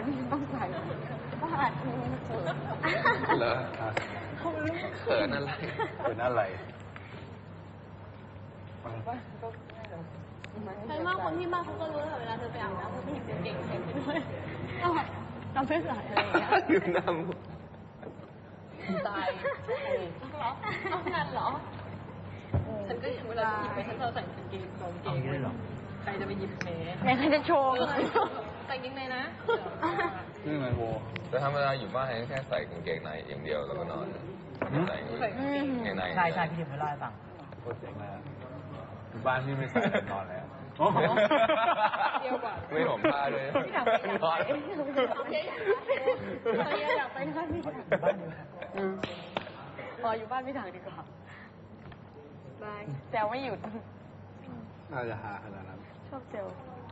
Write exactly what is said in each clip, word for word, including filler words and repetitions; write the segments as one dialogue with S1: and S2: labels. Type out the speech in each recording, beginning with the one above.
S1: ต้องใส่บ้านเขิน
S2: เหรอเขินอะไรเขินอะไร
S1: ใช่มากคนที่บ้านเขาก็รู้แต่เวลาเธอไปอาบน้ำเขาไม่เห็นเก่งๆเก่งไปด้วยเราเราไม่ใส่อะไรอย่างเงี้ย
S2: อยู่น้
S1: ำตายเหรอเอาขนาดเหรอฉันก็เวลาหยิบไปฉันเราใส่กางเกงสองเกงเลยหรอใครจะไปหยิบแม่แม่ใครจะโชว์ใส่กางเกงในนะ
S2: นี่ไงโวแต่ธรรมดาอยู่บ้านแค่ใส่กางเกงในอย่างเดียวแล้วก็นอนใส่กางเกงใน
S3: ใช่ใช่พี่เดี๋ยวไปเล่าให้ฟัง
S2: โคตรเจ๋งเลยอยู่บ้านพี่ไม่ใส่นอนแล้ว
S1: เดียวกว่า
S2: ไม่ห่มผ้าเลยนอน
S1: อยากไปบ้านพี่ถังพออยู่บ้านพี่ถังดีกว่าบายแซวไม่หยุด
S2: น่าจะหาขนาดนั้น
S1: ชอบเซล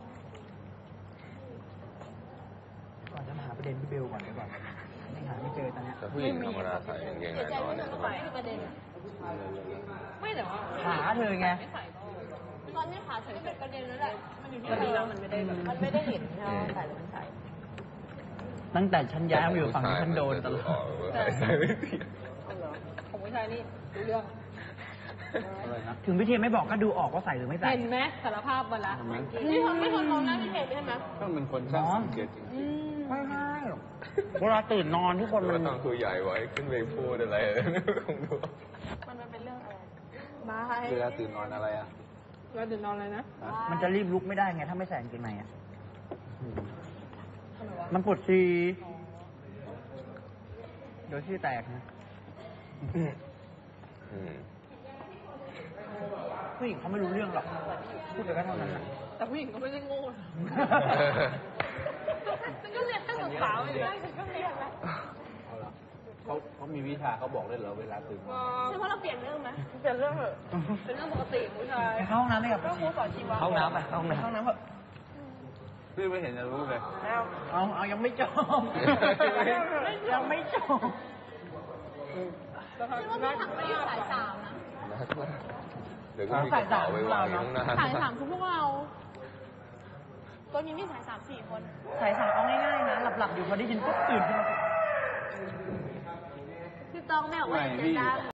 S3: ก่อนจะมาหาประเด็นพี่เบลก่อนดีกว่าไม่หาไม่เจอตอนนี้
S2: แต่ผู้หญิงธรรมดาใส่กางเกงในนอนเนี่ย
S1: ไม่มีประเด็นไม่แต่ว่า
S3: หาเธอไง
S1: ตอนนี้ขาใส่เป็นประเด็นแล้วแหละมันอยู่ที่เราแล้วมันไม่ได้แบบมันไม่ได้เห็นใช่ไหมใส่หรือมันใส่
S3: ตั้งแต่ฉันย้ายมาอยู่ฝั่งฉันโดนตลอด
S1: ของผู้ชายนี่รู้เรื่อง
S3: ถึงพี่เทียนไม่บอกก็ดูออกว่าใส่หรือไม่ใส่
S1: เห็นไหมสารภาพมาละนี่ทำไม่คนมองหน้าพี่เทียนใช่ไหม
S2: ก็เป็นคนช่างสังเกตจริง
S3: ไม่ใช่เวลาตื่นนอนทุกคน
S2: มันต้องคุยใหญ่ไว้ขึ้นไปพูดอะไรคงดู
S1: มันเป็นเรื่องอะไร
S2: บ้าเวลาตื่นนอนอะไรอ่ะ
S1: เวลาตื่นนอนอะไรนะ
S3: มันจะรีบลุกไม่ได้ไงถ้าไม่ใส่กางเกงในอ่ะมันปวดซีเดี๋ยวที่แตกนะผู้หญิงเขาไม่รู้เรื่องหรอกพูดไปก็เท่านั้น
S1: แต่ผู้หญิงก็ไม่ได้โง่ฉันก็เรียนตั้งแต่สาวอยู่ได้ฉันก็เรียนแล้ว
S2: เขาเขามีวิชาเขาบอกได้เหรอเวลาตื่น
S1: ใช่เพราะเราเปลี่ยนเรื่องไหมเปลี่ยนเรื่องเหรอเป็นเรื่องปกติผู้ชาย
S3: เข้าห้องน้ำไหมครับ
S1: ก็ครูสอนชีวะ
S3: เข้าน้ำไปเข้าห้องน้ำ
S1: เข้าน้ำเหรอ
S2: พี่ไม่เห็นจะรู้เลย
S3: เอาเอายังไม่จบยังไม่จบ
S1: ฉันว่าพี่ถังไม่ได้สายสามนะ
S2: เดี๋ยวก็มีกระเป๋าไว้วางอยู่ข้างหน้า
S1: สายสามคือพวกเราตัวนี้มีสายสามสี่คน
S3: สายสามเอาง่ายๆนะหลับๆอยู่พอได้ยินปุ๊บตื่นขึ้นมา
S1: พี่ต้องไม่ออกมาเจอกัน